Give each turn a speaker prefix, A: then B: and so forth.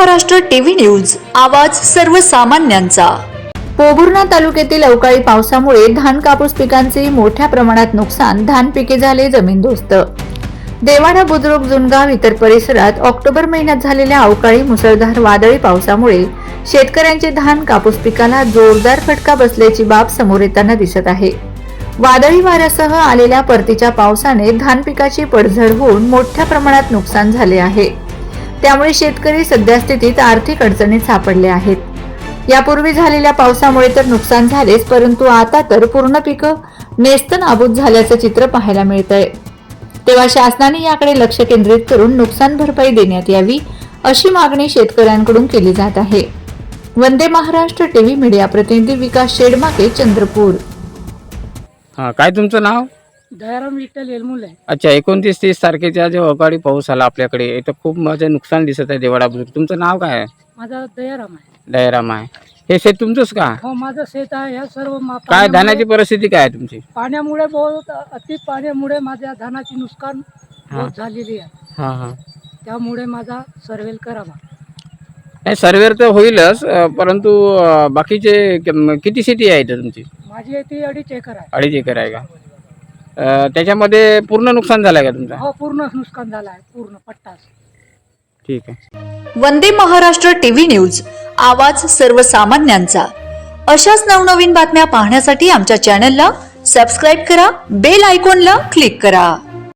A: Maharashtra TV news, आवाज सर्वसामान्यांचा।
B: पोभुर्णा तालुक्यातील अवकाळी पावसामुळे धान कापूस पिकांचे मोठ्या प्रमाणात नुकसान, धान पिके झाले जमीनदोस्त। देवाडा, बुद्रुक, जुनगाव इतर परिसरात ऑक्टोबर महिन्यात झालेल्या अवकाळी मुसळधार वादळी पावसामुळे शेतकऱ्यांचे धान कापूस पिकाला जोरदार फटका बसल्याची बाब समोर येताना दिसत आहे। वादळी वाऱ्यासह आलेल्या परतीच्या पावसाने धान पिकाची पडझड होऊन मोठ्या प्रमाणात नुकसान झाले आहे। त्यामुळे शेतकरी सध्या स्थितीत आर्थिक अडचणीत सापडले आहेत। यापूर्वी झालेल्या पावसामुळे तर नुकसान झालेच, परंतु आता तर पूर्ण पिकं नेस्तनाबूत झाल्याचं चित्र पाहायला मिळतंय। तेव्हा शासनाने याकडे लक्ष केंद्रित करून नुकसान भरपाई देण्यात यावी, अशी मागणी शेतकऱ्यांकडून केली जात आहे। वंदे महाराष्ट्र टीव्ही मीडिया प्रतिनिधी विकास शेडमाके, चंद्रपूर।
C: काय तुमचं नाव?
D: दयाराम विठ्ठल येलमुल आहे।
C: अच्छा, 29-30 तारखेचा जो अवकाळी पाऊस आला आपल्याकडे, इथं खूप माझं नुकसान दिसत आहे देवाडा बुद्रुक। तुमचं नाव काय आहे?
D: माझा दयाराम आहे।
C: दयाराम आहे। हे शेत तुमचंच का?
D: हो, माझं शेत आहे। या सर्व
C: काय धानाची परिस्थिती काय आहे तुमची?
D: पाण्यामुळे बहुत अति पाण्यामुळे माझ्या धानाची नुकसान बहुत झालेली आहे।
C: हां हां,
D: त्यामुळे माझा सर्वेल करावा।
C: नाही सर्वेर तर होईलच, परंतु बाकीचे किती शेती आहे इथं तुमची?
D: माझी ती 2.5 एकर आहे।
C: 2.5 एकर आहे का? त्याच्यामध्ये पूर्ण नुकसान झालं आहे का तुमचं?
D: हो, पूर्ण नुकसान झालं आहे, पूर्ण पट्टास।
C: ठीक आहे।
A: वंदे महाराष्ट्र टीव्ही न्यूज, आवाज सर्वसामान्यांचा। अशाच नवनवीन बातम्या पाहण्यासाठी आमच्या चॅनलला सबस्क्राईब करा, बेल आयकॉनला क्लिक करा।